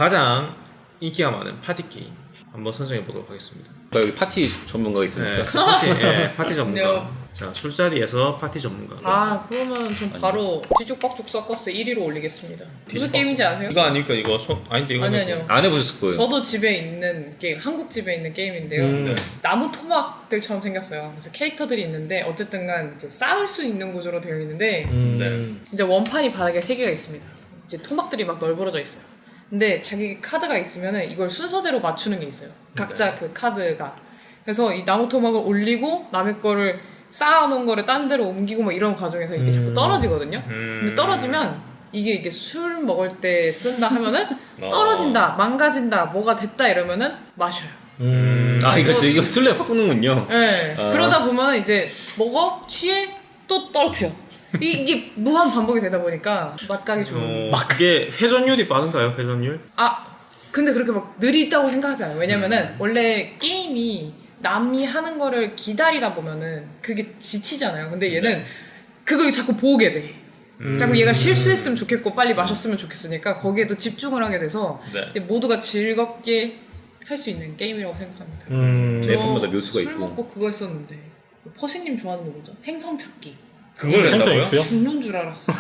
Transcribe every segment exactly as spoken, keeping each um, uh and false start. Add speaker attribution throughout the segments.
Speaker 1: 가장 인기가 많은 파티 게임 한번 선정해 보도록 하겠습니다.
Speaker 2: 여기 파티 전문가가 있으니까.
Speaker 1: 네, 파티, 예, 파티 전문가.
Speaker 3: 네.
Speaker 1: 자, 술자리에서 파티 전문가.
Speaker 3: 아 그러면 전 바로 뒤죽박죽 서커스 일 위로 올리겠습니다. 무슨
Speaker 1: 뒤집었어.
Speaker 3: 게임인지 아세요?
Speaker 1: 이거 아닙니까? 이거 손 아닌데 이거
Speaker 3: 아니 아니요.
Speaker 2: 안 해보셨을 거예요.
Speaker 3: 저도 집에 있는 게임, 한국 집에 있는 게임인데요.
Speaker 1: 음.
Speaker 3: 나무 토막들처럼 생겼어요. 그래서 캐릭터들이 있는데 어쨌든간 이제 쌓을 수 있는 구조로 되어 있는데
Speaker 1: 음.
Speaker 2: 네.
Speaker 3: 이제 원판이 바닥에 세 개가 있습니다. 이제 토막들이 막 널브러져 있어요. 근데 자기 카드가 있으면은 이걸 순서대로 맞추는 게 있어요. 각자
Speaker 1: 네.
Speaker 3: 그 카드가. 그래서 이 나무 토막을 올리고 남의 거를 쌓아놓은 거를 딴 데로 옮기고 뭐 이런 과정에서 이게
Speaker 1: 음.
Speaker 3: 자꾸 떨어지거든요.
Speaker 1: 음.
Speaker 3: 근데 떨어지면 이게 이게 술 먹을 때 쓴다 하면은
Speaker 1: 어.
Speaker 3: 떨어진다, 망가진다, 뭐가 됐다 이러면은 마셔요.
Speaker 1: 음.
Speaker 2: 아 이거
Speaker 3: 이거-
Speaker 2: 이거 술래 섞는군요.
Speaker 3: 네.
Speaker 2: 아.
Speaker 3: 그러다 보면 이제 먹어, 취해, 또 떨어뜨려. 이, 이게 무한 반복이 되다 보니까 맛가기 좋은.
Speaker 1: 어, 그게 회전율이 빠른가요? 회전율?
Speaker 3: 아 근데 그렇게 막 느리다고 생각하지 않아요. 왜냐면은
Speaker 1: 음.
Speaker 3: 원래 게임이 남이 하는 거를 기다리다 보면은 그게 지치잖아요. 근데 얘는
Speaker 1: 네.
Speaker 3: 그걸 자꾸 보게 돼.
Speaker 1: 음.
Speaker 3: 자꾸 얘가 실수했으면 좋겠고 빨리 마셨으면 좋겠으니까 거기에도 집중을 하게 돼서
Speaker 1: 네.
Speaker 3: 모두가 즐겁게 할 수 있는 게임이라고 생각합니다.
Speaker 1: 음.
Speaker 2: 네. 앨범마다 묘수가
Speaker 3: 술
Speaker 2: 있고.
Speaker 3: 먹고 그거 했었는데 퍼시님 좋아하는 거 뭐죠? 행성 찾기.
Speaker 1: 그걸
Speaker 4: 행성
Speaker 1: 낸다고요?
Speaker 4: X요?
Speaker 3: 죽는 줄 알았어.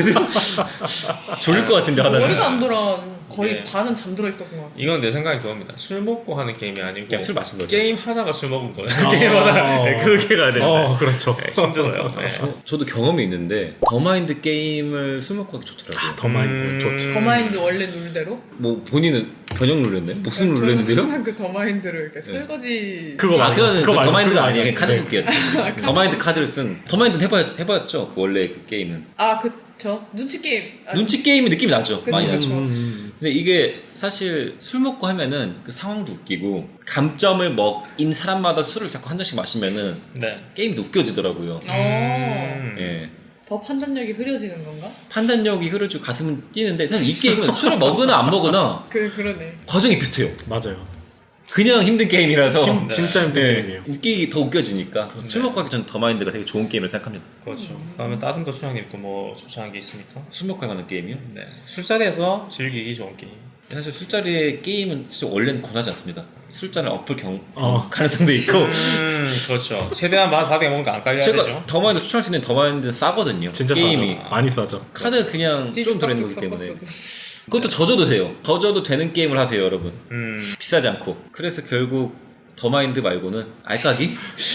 Speaker 2: 졸릴 것 같은데 하다가.
Speaker 3: 머리가 안 돌아. 거의
Speaker 1: 네.
Speaker 3: 반은 잠들어 있던 것 같아.
Speaker 1: 이건 내 생각이 그겁니다. 술 먹고 하는 게임이 아니고
Speaker 2: 그냥 술 마신 거죠.
Speaker 1: 게임 하다가 술 먹은 거예요.
Speaker 4: 아.
Speaker 1: 게임 하다가 네, 그렇게 가야 된다.
Speaker 4: 어, 그렇죠.
Speaker 1: 네, 힘들어요. 네.
Speaker 2: 저, 저도 경험이 있는데 더마인드 게임을 술 먹고 하기 좋더라고요.
Speaker 4: 더 마인드
Speaker 1: 음.
Speaker 4: 좋지.
Speaker 3: 더마인드 원래 룰대로?
Speaker 2: 뭐 본인은 변형 룰렛네? 무슨 룰렛인데요?
Speaker 3: 저는 그 더마인드를 이렇게 설거지.
Speaker 4: 그거
Speaker 2: 아
Speaker 4: 말고,
Speaker 2: 그거는
Speaker 4: 그거
Speaker 2: 그
Speaker 4: 말고,
Speaker 2: 더마인드가
Speaker 4: 그거
Speaker 2: 아니에요.
Speaker 4: 말고.
Speaker 2: 카드
Speaker 4: 네.
Speaker 2: 묶기였죠. 더마인드 카드를 쓴 더마인드는 해봤, 해봤죠. 그 원래 그 게임은
Speaker 3: 아 그쵸. 눈치 게임. 아,
Speaker 2: 눈치 게임이 느낌이 나죠.
Speaker 3: 그쵸,
Speaker 2: 많이
Speaker 3: 그쵸.
Speaker 2: 나죠.
Speaker 4: 음.
Speaker 2: 근데 이게 사실 술 먹고 하면은 그 상황도 웃기고 감점을 먹인 사람마다 술을 자꾸 한 잔씩 마시면은
Speaker 1: 네.
Speaker 2: 게임도 웃겨지더라고요.
Speaker 3: 어.
Speaker 1: 음.
Speaker 2: 예.
Speaker 3: 더 판단력이 흐려지는 건가?
Speaker 2: 판단력이 흐르고 가슴은 뛰는데 사실 이 게임은 술을 먹으나 안 먹으나
Speaker 3: 그 그러네.
Speaker 2: 과정이 비슷해요.
Speaker 4: 맞아요.
Speaker 2: 그냥 힘든 게임이라서
Speaker 4: 힘, 진짜 힘든
Speaker 2: 예,
Speaker 4: 게임이에요.
Speaker 2: 웃기 더 웃겨지니까 술 먹고 하기 전 더마인드가 되게 좋은 게임을 생각합니다.
Speaker 1: 그렇죠. 그러면 다른 거 수장님 또 뭐 추천한 게 있습니까?
Speaker 2: 술 먹고 할 만한 게임이요?
Speaker 1: 네. 술자리에서 즐기기 좋은 게임.
Speaker 2: 사실 술자리의 게임은 사실 원래는 권하지 않습니다. 술잔을 엎을 경
Speaker 4: 어.
Speaker 2: 가능성도 있고
Speaker 1: 음, 그렇죠. 최대한 맛 바닥에 먹는 거 안 깔려야
Speaker 2: 제가
Speaker 1: 되죠.
Speaker 2: 더마인드 추천할 수 있는 더마인드는 싸거든요.
Speaker 4: 진짜
Speaker 2: 게임이
Speaker 4: 싸죠. 많이 싸죠.
Speaker 2: 카드 그냥 좀 들어있는 거기 때문에
Speaker 3: 서커스도.
Speaker 2: 그것도 져줘도 돼요. 져줘도 되는 게임을 하세요, 여러분.
Speaker 1: 음.
Speaker 2: 비싸지 않고. 그래서 결국 더마인드 말고는 알까기?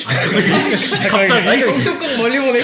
Speaker 4: 갑자기?
Speaker 2: 알까기.
Speaker 3: 조금 멀리 보내기.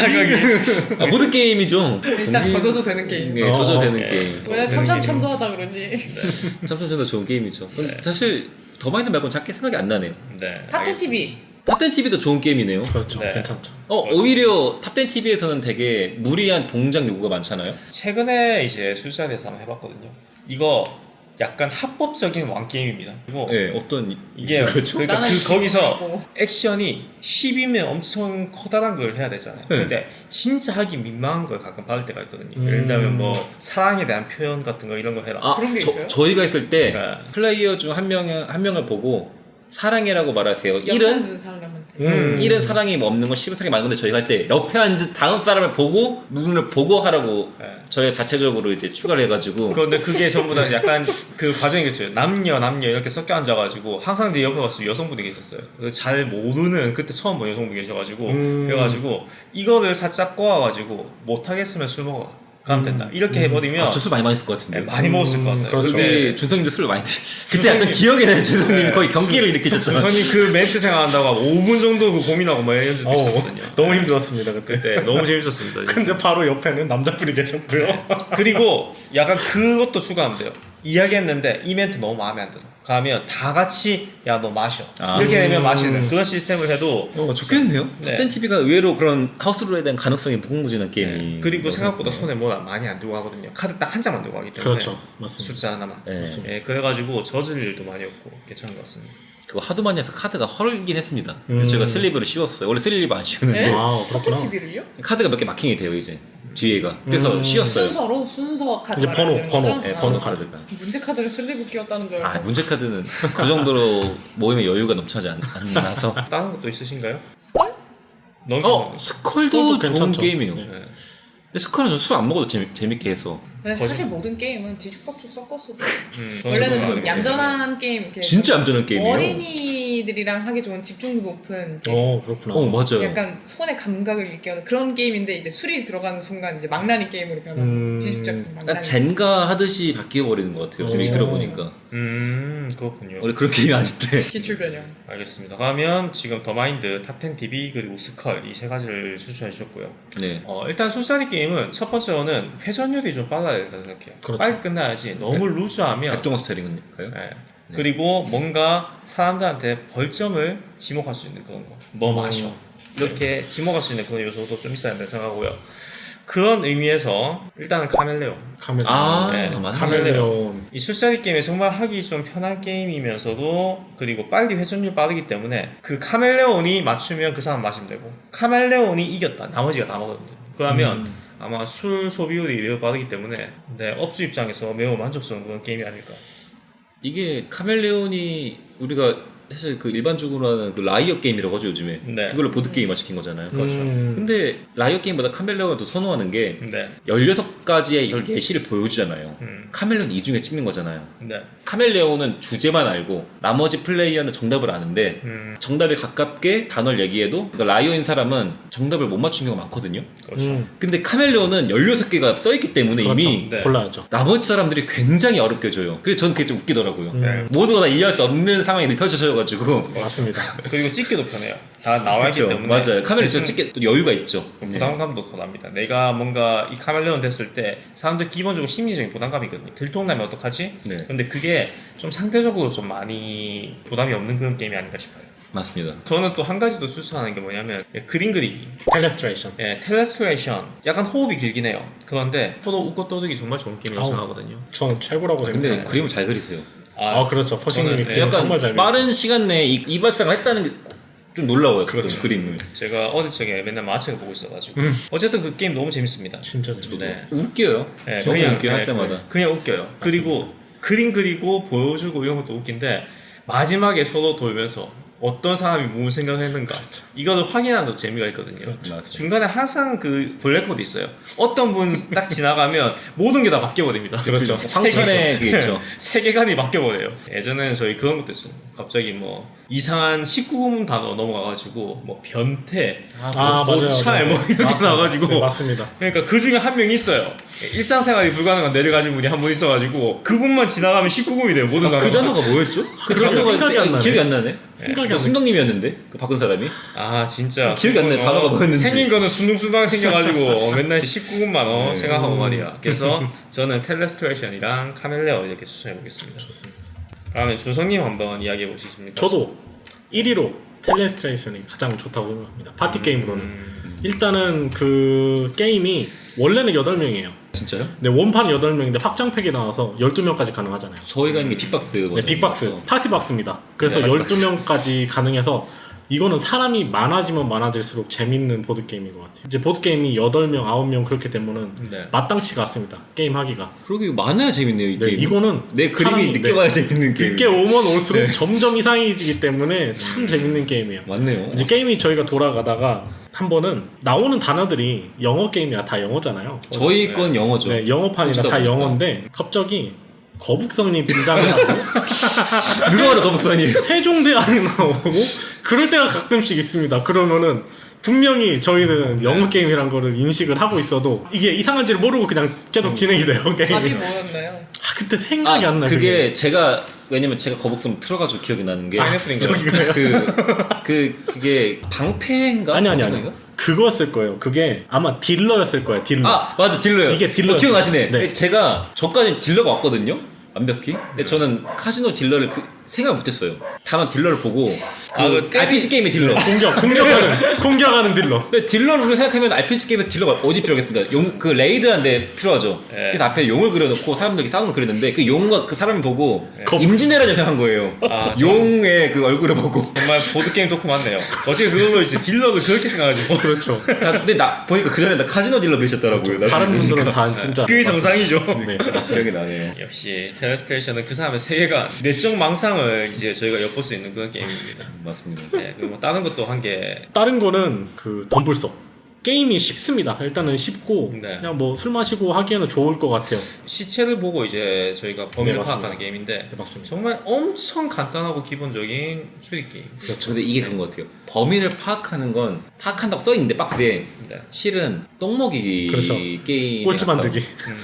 Speaker 4: 갑자기.
Speaker 2: 아, 모든 게임이죠.
Speaker 3: 일단 져줘도 되는 게임.
Speaker 2: 네,
Speaker 4: 어,
Speaker 2: 져줘도 되는
Speaker 1: 네.
Speaker 2: 게임.
Speaker 3: 왜 참참참도 하자 그러지.
Speaker 2: 참참참도 좋은 게임이죠. 근데 사실 더마인드 말고는 작게 생각이 안 나네요.
Speaker 1: 네.
Speaker 3: 탑텐 티비.
Speaker 2: 탑텐 티비도 좋은 게임이네요.
Speaker 4: 그렇죠.
Speaker 1: 네.
Speaker 4: 괜찮죠.
Speaker 2: 어,
Speaker 1: 그렇죠.
Speaker 2: 오히려 탑텐 티비에서는 되게 무리한 동작 요구가 많잖아요.
Speaker 1: 최근에 이제 술자리에서 한번 해봤거든요. 이거 약간 합법적인 왕 게임입니다. 그리고
Speaker 2: 네, 어떤
Speaker 1: 이게
Speaker 2: 그렇죠.
Speaker 1: 그러니까
Speaker 3: 나는
Speaker 1: 그 거기서
Speaker 3: 기분이라고.
Speaker 1: 액션이 십이면 엄청 커다란 걸 해야 되잖아요.
Speaker 2: 네.
Speaker 1: 근데 진짜 하기 민망한 걸 가끔 받을 때가 있거든요.
Speaker 4: 음.
Speaker 1: 예를 들면 뭐 사랑에 대한 표현 같은 거 이런 거 해라.
Speaker 2: 아,
Speaker 3: 그런 게
Speaker 2: 저,
Speaker 3: 있어요?
Speaker 2: 저희가 있을 때
Speaker 1: 네.
Speaker 2: 플레이어 중 한 명, 한 명을 보고 사랑해라고 말하세요.
Speaker 3: 옆에
Speaker 2: 일은
Speaker 3: 앉은 사람한테.
Speaker 4: 음.
Speaker 2: 일은 사랑이 없는 건 십은 사랑이 많은 건데 저희가 할 때 옆에 앉은 다음 사람을 보고 눈을 보고 하라고
Speaker 1: 네.
Speaker 2: 저희가 자체적으로 이제 추가를 해가지고
Speaker 1: 그런데 그게 전부 다 약간 그 과정이겠죠. 남녀 남녀 이렇게 섞여 앉아가지고 항상 제 옆에 봤을 때 여성분이 계셨어요. 그잘 모르는 그때 처음 본 여성분이 계셔가지고
Speaker 4: 음.
Speaker 1: 그래가지고 이거를 살짝 꼬아가지고 못하겠으면 술 먹어 가면 된다. 이렇게 해버리면
Speaker 2: 아, 저 술 많이 많이 했을 것 같은데.
Speaker 1: 네, 많이 먹었을 것 같아요.
Speaker 4: 그렇죠.
Speaker 1: 근데
Speaker 2: 그때 준성님도 술을 많이 드... 그때 약간 기억이 나요. 준성님이
Speaker 1: 네.
Speaker 2: 거의 경기를 일으키셨잖아요.
Speaker 1: 준성님 그 멘트 생각한다고 하고 오 분 정도 그 고민하고 막 이런 적도
Speaker 4: 어,
Speaker 1: 있었거든요.
Speaker 4: 너무 힘들었습니다 그때.
Speaker 1: 네, 너무 재밌었습니다. 진짜.
Speaker 4: 근데 바로 옆에는 남자분이 계셨고요.
Speaker 1: 그리고 약간 그것도 추가하면 돼요. 이야기했는데 이 멘트 너무 마음에 안 들어. 가면 다 같이 야 너 마셔.
Speaker 2: 아.
Speaker 1: 이렇게 되면
Speaker 4: 음.
Speaker 1: 마시는 그런 시스템을 해도
Speaker 2: 어, 좋겠네요.
Speaker 1: 네.
Speaker 2: 탑텐 티비가 의외로 그런 하우스룰에 대한 가능성이 무궁무진한 게임이.
Speaker 1: 네. 그리고 생각보다
Speaker 2: 네.
Speaker 1: 손에 뭐 많이 안 들고 가거든요. 카드 딱 한 장만 들고 가기 때문에
Speaker 4: 그렇죠. 맞습니다.
Speaker 1: 숫자 하나만.
Speaker 2: 네.
Speaker 1: 예, 그래가지고 젖을 일도 많이 없고 괜찮은 것 같습니다.
Speaker 2: 그거 하도 많이 해서 카드가 헐긴 했습니다.
Speaker 4: 음.
Speaker 2: 그래서 제가 슬리브를 씌웠어요. 원래 슬리브 안 씌우는데
Speaker 3: 네?
Speaker 4: 아,
Speaker 3: 탑텐
Speaker 4: 그렇구나.
Speaker 3: 티비를요?
Speaker 2: 카드가 몇 개 마킹이 돼요 이제 뒤에가. 그래서
Speaker 4: 음.
Speaker 2: 씌웠어요.
Speaker 3: 순서로 순서 카드
Speaker 4: 이제 번호,
Speaker 3: 말하는
Speaker 4: 번호,
Speaker 3: 거죠?
Speaker 2: 네,
Speaker 3: 아,
Speaker 2: 번호 카드가.
Speaker 3: 문제 카드를 슬리브 끼웠다는 줄
Speaker 2: 아
Speaker 3: 알고.
Speaker 2: 문제 카드는 그 정도로 모임에 여유가 넘쳐나지 않, 않아서.
Speaker 1: 다른 것도 있으신가요?
Speaker 3: 스컬?
Speaker 1: 너무
Speaker 2: 어 스컬도
Speaker 4: 스컬도
Speaker 2: 좋은
Speaker 4: 괜찮죠.
Speaker 2: 게임이에요.
Speaker 4: 네.
Speaker 1: 네.
Speaker 2: 근데 스컬은 술 안 먹어도 재미, 재밌게 해서
Speaker 3: 근데
Speaker 1: 거짓-
Speaker 3: 사실 모든 게임은 뒤죽박죽 섞었어도
Speaker 1: 음,
Speaker 3: 원래는
Speaker 1: 저는
Speaker 3: 좀
Speaker 1: 그런 거
Speaker 3: 얌전한 게임 이렇게
Speaker 2: 진짜 얌전한 게임이에요.
Speaker 3: 어린이들이랑 하기 좋은 집중도 높은 이제
Speaker 4: 어 그렇구나.
Speaker 2: 어 맞아요.
Speaker 3: 약간 손의 감각을 일깨우는 그런 게임인데 이제 술이 들어가는 순간 이제 망나니 게임으로 변하고
Speaker 4: 음.
Speaker 3: 뒤죽박죽
Speaker 2: 약간
Speaker 3: 망나니.
Speaker 2: 젠가 하듯이 바뀌어 버리는 것 같아요. 지금
Speaker 4: 오.
Speaker 2: 얘기 들어보니까
Speaker 1: 음 그렇군요.
Speaker 2: 원래 그런 게임이 아닌데.
Speaker 3: 기출 변형.
Speaker 1: 알겠습니다. 그러면 지금 더마인드, 탑텐 티비 그리고 스컬 이 세 가지를 추천해 주셨고요.
Speaker 2: 네.
Speaker 1: 어, 일단 술자리 게임은 첫 번째로는 회전율이 좀 빨라야 된다고 생각해요.
Speaker 4: 그렇죠.
Speaker 1: 빨리 끝나야지 너무 루즈하면
Speaker 2: 각종 스타일인가요?
Speaker 1: 네. 그리고 뭔가 사람들한테 벌점을 지목할 수 있는 그런 거 너무
Speaker 4: 음.
Speaker 1: 아쉬워. 이렇게 지목할 수 있는 그런 요소도 좀 있어야 된다고 생각하고요. 그런 의미에서 일단은 카멜레온.
Speaker 4: 카멜레온.
Speaker 2: 아
Speaker 1: 네,
Speaker 2: 맞네.
Speaker 4: 카멜레온.
Speaker 1: 이 술자리 게임이 정말 하기 좀 편한 게임이면서도 그리고 빨리 회전율 빠르기 때문에 그 카멜레온이 맞추면 그 사람 마시면 되고 카멜레온이 이겼다 나머지가 다 먹으면 돼요. 그러면
Speaker 4: 음.
Speaker 1: 아마 술 소비율이 매우 빠르기 때문에 네, 업주 입장에서 매우 만족스러운 그런 게임이 아닐까.
Speaker 2: 이게 카멜레온이 우리가 사실 그 일반적으로 하는 그 라이어 게임이라고 하죠 요즘에.
Speaker 1: 네.
Speaker 2: 그걸로 보드 게임화 시킨 거잖아요.
Speaker 1: 그렇죠.
Speaker 4: 음.
Speaker 2: 근데 라이어 게임보다 카멜레온을 더 선호하는 게
Speaker 1: 네.
Speaker 2: 열여섯 가지의 열 예시를 보여주잖아요.
Speaker 1: 음.
Speaker 2: 카멜레온 이 중에 찍는 거잖아요.
Speaker 1: 네.
Speaker 2: 카멜레온은 주제만 알고 나머지 플레이어는 정답을 아는데
Speaker 1: 음.
Speaker 2: 정답에 가깝게 단어를 얘기해도 그러니까 라이어인 사람은 정답을 못 맞춘 경우가 많거든요.
Speaker 1: 그렇죠.
Speaker 4: 음.
Speaker 2: 근데 카멜레온은 열여섯 개가 써있기 때문에
Speaker 4: 그렇죠.
Speaker 2: 이미
Speaker 1: 네.
Speaker 4: 골라야죠.
Speaker 2: 나머지 사람들이 굉장히 어렵게 줘요. 그래서 저는 그게 좀 웃기더라고요.
Speaker 4: 음.
Speaker 1: 네.
Speaker 2: 모두가 다 이해할 수 없는 상황이 펼쳐져가지고
Speaker 4: 맞습니다.
Speaker 1: 그리고 찍기도 편해요. 다 나와 있기
Speaker 2: 그렇죠.
Speaker 1: 때문에.
Speaker 2: 맞아요. 카멜레온
Speaker 1: 대신
Speaker 2: 찍기 또 여유가 있죠.
Speaker 1: 부담감도 더 납니다. 내가 뭔가 이 카멜레온 됐을 때 사람들 기본적으로 심리적인 부담감이 있거든요. 들통나면 어떡하지?
Speaker 2: 네.
Speaker 1: 근데 그게 좀 상대적으로 좀 많이 부담이 없는 그런 게임이 아닌가 싶어요.
Speaker 2: 맞습니다.
Speaker 1: 저는 또 한 가지 더 추천하는 게 뭐냐면 예, 그림 그리기.
Speaker 4: 텔레스트레이션.
Speaker 1: 예, 텔레스트레이션. 약간 호흡이 길긴 해요. 그런데 서로 웃고 떠들기 정말 좋은 게임이라고
Speaker 4: 아우.
Speaker 1: 생각하거든요.
Speaker 4: 저는 최고라고
Speaker 2: 근데
Speaker 4: 생각해요.
Speaker 2: 그림을 잘 그리세요.
Speaker 4: 아, 그렇죠. 퍼싱님이
Speaker 1: 저는,
Speaker 4: 그림
Speaker 1: 예,
Speaker 2: 약간
Speaker 4: 정말 잘
Speaker 2: 빠른 시간 내에 이, 이 발상을 했다는 게 좀 놀라워요.
Speaker 4: 그렇죠.
Speaker 2: 그 그림을.
Speaker 1: 제가 어릴 적에 맨날 마책을 보고 있어가지고
Speaker 4: 음.
Speaker 1: 어쨌든 그 게임 너무 재밌습니다.
Speaker 4: 진짜 재밌어요.
Speaker 1: 네.
Speaker 2: 웃겨요.
Speaker 1: 네,
Speaker 2: 진짜 웃겨요. 할
Speaker 1: 네,
Speaker 2: 때마다.
Speaker 1: 그냥 웃겨요. 그리고 그림 그리고 보여주고 이런 것도 웃긴데 마지막에 서로 돌면서 어떤 사람이 무슨 생각을 했는가 이거를 확인하는 것도 재미가 있거든요.
Speaker 2: 맞죠.
Speaker 1: 중간에 항상 그 블랙홀이 있어요. 어떤 분 딱 지나가면 모든 게 다 바뀌어버립니다.
Speaker 4: 그렇죠.
Speaker 2: 황천에 그게 있죠.
Speaker 1: 세계관이 바뀌어버려요. 예전에는 저희 그런 것도 있어요. 갑자기 뭐 이상한 십구 금 단어 넘어가가지고 뭐 변태,
Speaker 4: 아,
Speaker 1: 뭐
Speaker 4: 맞아요.
Speaker 1: 고찰 뭐 이렇게
Speaker 4: 맞습니다.
Speaker 1: 나와가지고
Speaker 4: 네, 맞습니다.
Speaker 1: 그러니까 그 중에 한 명 있어요. 일상생활이 불가능한 뇌를 가진 분이 한 분 있어가지고 그분만 지나가면 십구 금이 돼요. 모든
Speaker 2: 아, 그
Speaker 1: 단어가.
Speaker 2: 단어가 뭐였죠? 그
Speaker 4: 그러게
Speaker 2: 단어가
Speaker 4: 생각이 안 나네.
Speaker 2: 기억이 안 나네.
Speaker 4: 생각이 안
Speaker 2: 뭐
Speaker 4: 나.
Speaker 2: 순덕님이었는데 그 바꾼 사람이.
Speaker 1: 아 진짜
Speaker 2: 기억이 안 나요.
Speaker 1: 어,
Speaker 2: 단어가 뭐였는지.
Speaker 1: 생긴 거는 순둥순둥 생겨가지고 어, 맨날 십구 금만 어,
Speaker 2: 네.
Speaker 1: 생각하고 말이야. 그래서 저는 텔레스트레이션이랑 카멜레온 이렇게 추천해보겠습니다.
Speaker 4: 좋습니다.
Speaker 1: 그러면 준성님 한번 이야기해 보시겠습니까?
Speaker 4: 저도 일 위로 텔레스트레이션이 가장 좋다고 생각합니다. 파티 게임으로는.
Speaker 1: 음,
Speaker 4: 일단은 그 게임이 원래는 여덟 명이에요.
Speaker 2: 진짜요?
Speaker 4: 근데 원판 여덟 명인데 확장팩이 나와서 열두 명까지 가능하잖아요.
Speaker 2: 저희가 있는 게 빅박스.
Speaker 4: 네, 빅박스. 파티박스입니다. 그래서
Speaker 2: 네,
Speaker 4: 열두 명까지 가능해서 이거는 사람이 많아지면 많아질수록 재밌는 보드게임인 것 같아요. 이제 보드게임이 여덟 명, 아홉 명 그렇게 되면은
Speaker 1: 네.
Speaker 4: 마땅치가 않습니다. 게임 하기가.
Speaker 2: 그러게 많아야 재밌네요 이
Speaker 4: 네,
Speaker 2: 게임.
Speaker 4: 이거는
Speaker 2: 내 그림이
Speaker 4: 사람이,
Speaker 2: 느껴봐야 재밌는 게임.
Speaker 4: 늦게 오면 올수록 점점 이상해지기 때문에 참 재밌는 게임이에요.
Speaker 2: 맞네요.
Speaker 4: 이제 게임이 저희가 돌아가다가 한 번은 나오는 단어들이 영어 게임이라 다 영어잖아요.
Speaker 2: 저희 건 영어죠.
Speaker 4: 네, 영어판이라
Speaker 2: 어쩌다
Speaker 4: 다
Speaker 2: 보니까.
Speaker 4: 영어인데 갑자기 거북선이 등장을 하고
Speaker 2: 누가 봐도 거북선이.
Speaker 4: 세종대왕이 나오고 그럴 때가 가끔씩 있습니다. 그러면은 분명히 저희는 영어 게임이란 거를 인식을 하고 있어도 이게 이상한지를 모르고 그냥 계속 진행이 돼요.
Speaker 3: 답이
Speaker 4: 게임이.
Speaker 3: 뭐였나요?
Speaker 4: 아 그때 생각이 안 나요.
Speaker 2: 그게 제가 왜냐면 제가 거북선 틀어가지고 기억이 나는 게
Speaker 1: 파이너스인가요?
Speaker 2: 그, 그, 그게 방패인가?
Speaker 4: 아니 아니 아니
Speaker 2: 방패인가?
Speaker 4: 그거였을 거예요. 그게 아마 딜러였을 거예요. 딜러.
Speaker 2: 아, 맞아, 딜러요.
Speaker 4: 이게 딜러였어요.
Speaker 2: 어, 기억나시네.
Speaker 4: 네.
Speaker 2: 제가, 저까지 딜러가 왔거든요? 완벽히. 근데 저는 카지노 딜러를 그, 생각 못했어요. 다만 딜러를 보고, 그,
Speaker 1: 아, 그
Speaker 2: 알피지 게임의 딜러.
Speaker 4: 공격 공격하는 공격하는 딜러.
Speaker 2: 근데 딜러를 우리가 생각하면 알피지 게임의 딜러가 어디 필요하겠습니까? 용, 그 레이드한데 필요하죠.
Speaker 1: 네.
Speaker 2: 그래서 앞에 용을 그려놓고 사람들이 싸우는 거 그렸는데 그 용과 그 사람을 보고
Speaker 4: 거-
Speaker 2: 임진왜란 생각한 거예요.
Speaker 1: 아, 저-
Speaker 2: 용의 그 얼굴을 보고.
Speaker 1: 정말 보드게임 덕후 맞네요. 어떻게 그걸로 이제 딜러를 그렇게 생각하지?
Speaker 4: 그렇죠.
Speaker 2: 나, 근데 나 보니까 그 전에 나 카지노 딜러 계셨더라고요. 나중에
Speaker 4: 다른 분들은
Speaker 2: 보니까.
Speaker 4: 다 진짜
Speaker 1: 그게 정상이죠.
Speaker 4: 네.
Speaker 2: 기억이 나네요.
Speaker 1: 역시 텔레스테이션은 그 사람의 세계관, 내적 망상을 이제 저희가 엿볼 수 있는 그런 게임입니다.
Speaker 2: 맞습니다.
Speaker 1: 네, 그리고 뭐 다른 것도 한 개.
Speaker 4: 다른 거는 그 덤불석. 게임이 쉽습니다. 일단은 쉽고
Speaker 1: 네.
Speaker 4: 그냥 뭐 술 마시고 하기에는 좋을 것 같아요.
Speaker 1: 시체를 보고 이제 저희가 범인을
Speaker 4: 네, 맞습니다.
Speaker 1: 파악하는 게임인데
Speaker 4: 네, 맞습니다.
Speaker 1: 정말 엄청 간단하고 기본적인 추리 게임.
Speaker 4: 그렇죠.
Speaker 2: 근데 이게 그런 것 같아요. 범인을 파악하는 건 파악한다고 써 있는데 박스에
Speaker 1: 네.
Speaker 2: 실은 똥먹이기
Speaker 4: 그렇죠.
Speaker 2: 게임
Speaker 4: 꼴찌 만들기.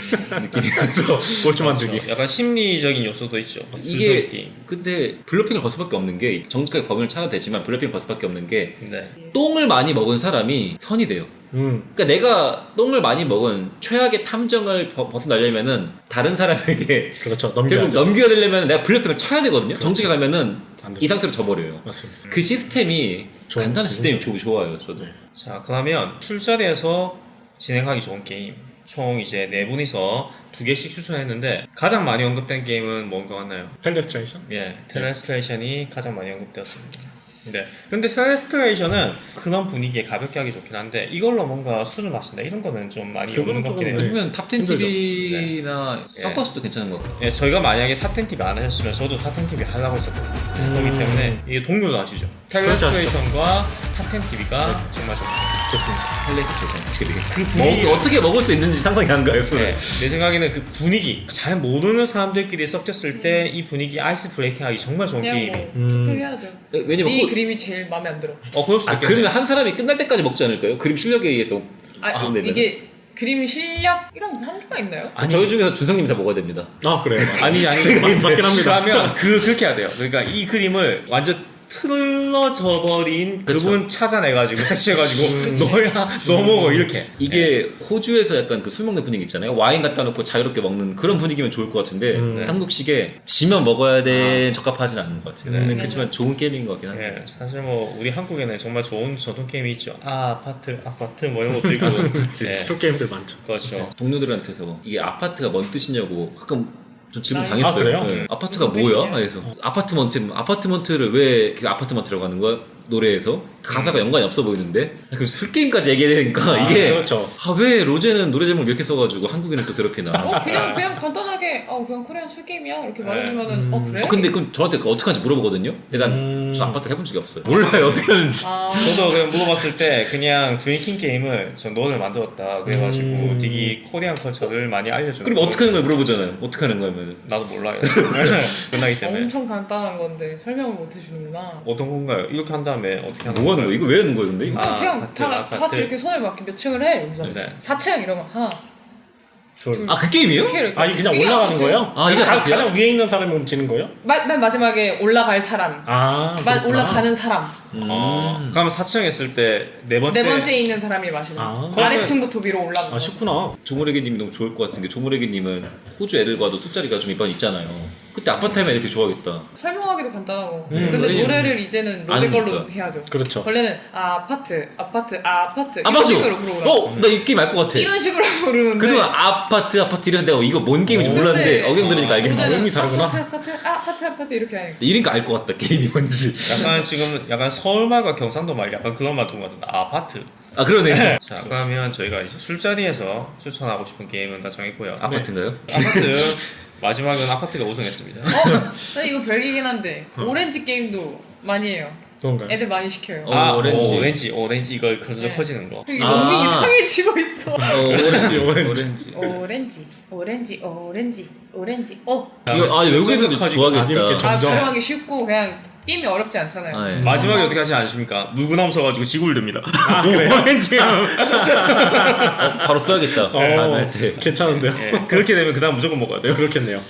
Speaker 2: 느낌이라서
Speaker 4: 꼴찌 만들기.
Speaker 1: 그렇죠. 약간 심리적인 요소도 있죠. 줄서기
Speaker 2: 이게
Speaker 1: 게임.
Speaker 2: 근데 블러핑을 걸 수밖에 없는 게 정직하게 범인을 찾아도 되지만 블러핑을 걸 수밖에 없는 게
Speaker 1: 네.
Speaker 2: 똥을 많이 먹은 사람이 선이 돼요.
Speaker 4: 음.
Speaker 2: 그러니까 내가 똥을 많이 먹은 최악의 탐정을 벗- 벗어나려면은 다른 사람에게
Speaker 4: 그렇죠.
Speaker 2: 결국
Speaker 4: 넘겨야죠.
Speaker 2: 넘겨야 되려면 내가 블러핑을 쳐야 되거든요. 정직하게 가면은
Speaker 4: 안 돼요.
Speaker 2: 이 상태로 져버려요.
Speaker 4: 맞습니다.
Speaker 2: 그 시스템이
Speaker 4: 좋은-
Speaker 2: 간단한
Speaker 4: 좋은
Speaker 2: 시스템이
Speaker 4: 점이에요.
Speaker 2: 좋- 좋아요. 저도.
Speaker 4: 네.
Speaker 1: 자, 그러면 술자리에서 진행하기 좋은 게임. 총 이제 네 분이서 두 개씩 추천했는데 가장 많이 언급된 게임은 뭔가 같나요?
Speaker 4: 텔레스트레이션?
Speaker 1: 예, 텔레스트레이션이 가장 많이 언급되었습니다. 네. 근데 텔레스트레이션은 그런 분위기에 가볍게 하기 좋긴 한데 이걸로 뭔가 술을 마신다 이런 거는 좀 많이
Speaker 4: 그거는
Speaker 1: 없는 것 같긴
Speaker 4: 조금-
Speaker 1: 해요.
Speaker 2: 그러면 탑텐
Speaker 4: 힘들죠.
Speaker 2: 티비나
Speaker 1: 네.
Speaker 2: 서커스도 괜찮은 것 같아요.
Speaker 1: 예, 저희가 만약에 탑텐 티비 안 하셨으면 저도 탑텐 티비 하려고 했었거든요.
Speaker 4: 음.
Speaker 1: 그렇기 때문에 이게 동료도 아시죠? 텔레스트레이션과 탑텐 티비가 정말 좋습니다.
Speaker 4: 좋습니다.
Speaker 2: 텔레스트레이션 확실히.
Speaker 1: 그 분위기
Speaker 2: 뭐, 어떻게 먹을 수 있는지 상상이 안 가요. 손을.
Speaker 1: 네, 내 생각에는 그 분위기 잘 모르는 사람들끼리 섞였을 때 이 분위기 아이스 브레이킹하기 정말 좋은
Speaker 3: 그냥
Speaker 1: 게임.
Speaker 3: 뭐
Speaker 4: 음.
Speaker 3: 투표해야죠.
Speaker 2: 왜냐면
Speaker 3: 네
Speaker 2: 호-
Speaker 3: 그림이 제일 마음에 안 들어.
Speaker 1: 어 그럴 수도
Speaker 2: 아,
Speaker 1: 있겠네.
Speaker 2: 그러면 한 사람이 끝날 때까지 먹지 않을까요? 그림 실력에 의해서.
Speaker 3: 아,
Speaker 2: 그런 데는?
Speaker 3: 이게 그림 실력이랑 한계가 있나요?
Speaker 2: 아니, 저희 중에서 준성님이 다 먹어야 됩니다.
Speaker 4: 아 그래요.
Speaker 1: 아니 아니
Speaker 4: 맞- 맞긴 합니다.
Speaker 1: 그러면 그 그렇게 해야 돼요. 그러니까 이 그림을 완전 틀어져 버린
Speaker 2: 그쵸.
Speaker 1: 그분 찾아내가지고 색칠해가지고
Speaker 3: 그치.
Speaker 1: 너야 너 먹어 이렇게.
Speaker 2: 이게 호주에서 약간 그 술 먹는 분위기 있잖아요. 와인 갖다 놓고 자유롭게 먹는 그런 분위기면 좋을 것 같은데
Speaker 4: 음.
Speaker 2: 한국식에 지면 먹어야 돼 적합하진 않은 것 같아요.
Speaker 1: 네.
Speaker 2: 근데 그렇지만 좋은 게임인 것 같긴 한데.
Speaker 1: 예, 사실 뭐 우리 한국에는 정말 좋은 전통 게임이 있죠. 아 아파트 아파트 뭐 이런 것도 있고. 예,
Speaker 4: 술 게임들 많죠.
Speaker 1: 그렇죠.
Speaker 2: 동료들한테서 이게 아파트가 뭔 뜻이냐고 가끔 좀 질문
Speaker 3: 아,
Speaker 2: 당했어요.
Speaker 4: 아, 그래요?
Speaker 2: 네. 아파트가
Speaker 3: 무슨
Speaker 2: 뭐야?
Speaker 3: 뜻이냐?
Speaker 2: 그래서 아파트먼트 아파트먼트를 왜 그 아파트먼트라고 하는 거야? 노래에서 가사가 연관이 없어 보이는데 그럼 술 게임까지 얘기해야 되니까
Speaker 4: 아,
Speaker 2: 이게
Speaker 4: 그렇죠.
Speaker 2: 아 왜 로제는 노래 제목을 이렇게 써가지고 한국인을 또 괴롭히나?
Speaker 3: 어 그냥 그냥 간단하게 어 그냥 코리안 술 게임이야 이렇게 말해주면은
Speaker 4: 음.
Speaker 3: 어 그래?
Speaker 2: 어, 근데 그럼 저한테 그 어떻게 하는지 물어보거든요. 근데 난
Speaker 4: 음.
Speaker 2: 저 아파트를 해본 적이 없어요. 몰라요 어떻게 하는지.
Speaker 3: 아,
Speaker 1: 저도 그냥 물어봤을 때 그냥 드링킹 게임을 전 너를 만들었다 그래가지고
Speaker 4: 음.
Speaker 1: 되게 코리안 컬처를 많이 알려주는.
Speaker 2: 그럼 어떻게 하는 거야 물어보잖아요. 어떻게 하는 거냐면
Speaker 1: 나도 몰라요. 끝나기 때문에.
Speaker 3: 엄청 간단한 건데 설명을 못 해주는구나.
Speaker 1: 어떤 건가요? 이렇게 한 다음에 어떻게 하는
Speaker 2: 뭐 하는 거야? 이거 왜 하는 거야 근데?
Speaker 3: 아,
Speaker 1: 아,
Speaker 3: 그냥
Speaker 1: 아파트,
Speaker 3: 다, 다
Speaker 1: 아파트.
Speaker 3: 같이 이렇게 손을 막 몇 층을 해. 그래서
Speaker 1: 네.
Speaker 3: 사 층 이러면 하나
Speaker 4: 둘.
Speaker 3: 둘.
Speaker 2: 아 그 게임이에요?
Speaker 3: 이렇게 이렇게.
Speaker 4: 아 이게 그냥
Speaker 3: 이게
Speaker 4: 올라가는
Speaker 3: 아파트.
Speaker 4: 거예요?
Speaker 2: 아, 이게
Speaker 4: 가,
Speaker 2: 아파트야?
Speaker 4: 가장 위에 있는 사람이 지는 거예요?
Speaker 3: 마, 맨 마지막에 올라갈 사람.
Speaker 4: 아
Speaker 3: 마,
Speaker 4: 그렇구나.
Speaker 3: 올라가는 사람.
Speaker 2: 음.
Speaker 1: 어, 그러면 사 층 했을 때 네 번째.
Speaker 3: 네 번째 있는 사람이 마시는.
Speaker 4: 아.
Speaker 3: 아래층부터 위로 올라가는.
Speaker 4: 아
Speaker 3: 거죠.
Speaker 4: 쉽구나.
Speaker 2: 조모래기님이 너무 좋을 것 같은 게 조모래기님은 호주 애들과도 술자리가 좀 이번 있잖아요. 그때 아파트 하면 애들 되게 좋아하겠다.
Speaker 3: 설명하기도 간단하고.
Speaker 4: 음,
Speaker 3: 근데
Speaker 2: 왜냐면
Speaker 3: 노래를 이제는 로제
Speaker 2: 아니니까.
Speaker 3: 걸로 해야죠.
Speaker 4: 그렇죠.
Speaker 3: 원래는 아, 아파트, 아파트, 아, 아파트
Speaker 2: 아
Speaker 3: 이런
Speaker 2: 맞아.
Speaker 3: 식으로 부르거든.
Speaker 2: 어, 나 이 게임 알 것 같아.
Speaker 3: 이런 식으로 부르는데.
Speaker 2: 그동안 아파트 아파트 이랬는데 어, 이거 뭔 게임인지
Speaker 4: 어.
Speaker 2: 몰랐는데
Speaker 3: 근데
Speaker 2: 어경 들으니까 알겠네.
Speaker 3: 로제는
Speaker 4: 의미 다르구나.
Speaker 3: 아파트, 아파트, 아, 아파트, 아파트 이렇게 하니까.
Speaker 2: 이러니까 알 것 같다 게임이 뭔지.
Speaker 1: 약간 지금 약간 서울말과 경상도 말 약간 그런 말 두는 것 같은데 아파트.
Speaker 2: 아 그러네.
Speaker 1: 자 그러면 저희가 이제 술자리에서 추천하고 싶은 게임은 다 정했고요.
Speaker 2: 아파트인가요?
Speaker 1: 아파트 마지막은 아파트가 우승했습니다.
Speaker 3: 어? 근데 이거 별기긴 한데 오렌지 게임도 많이 해요.
Speaker 4: 그런가요?
Speaker 3: 애들 많이 시켜요.
Speaker 2: 어,
Speaker 1: 아
Speaker 2: 오렌지.
Speaker 1: 오렌지 오렌지 이거 거슬러
Speaker 3: 네.
Speaker 1: 퍼지는 거.
Speaker 3: 이게
Speaker 2: 아.
Speaker 3: 몸이 이상해지고 있어.
Speaker 2: 어, 오렌지
Speaker 4: 오렌지.
Speaker 2: 오렌지.
Speaker 3: 오렌지, 오렌지, 오렌지, 오렌지. 어.
Speaker 2: 이거 아 외국 애들도
Speaker 1: 쫀득하지고.
Speaker 4: 아, 이렇게
Speaker 2: 좋아하겠다.
Speaker 4: 점-
Speaker 3: 아
Speaker 4: 점점.
Speaker 3: 가려하기 쉽고 그냥 게임이 어렵지 않잖아요.
Speaker 2: 아, 예.
Speaker 1: 마지막에 어떻게 하지 않으십니까? 물구나무 써가지고 지구를 듭니다.
Speaker 4: 아 그래요? 오렌지.
Speaker 2: 어, 바로 써야겠다. 다음에 할 때.
Speaker 4: 괜찮은데요?
Speaker 1: 예, 그렇게 되면 그 다음 무조건 먹어야 돼요.
Speaker 4: 그렇겠네요.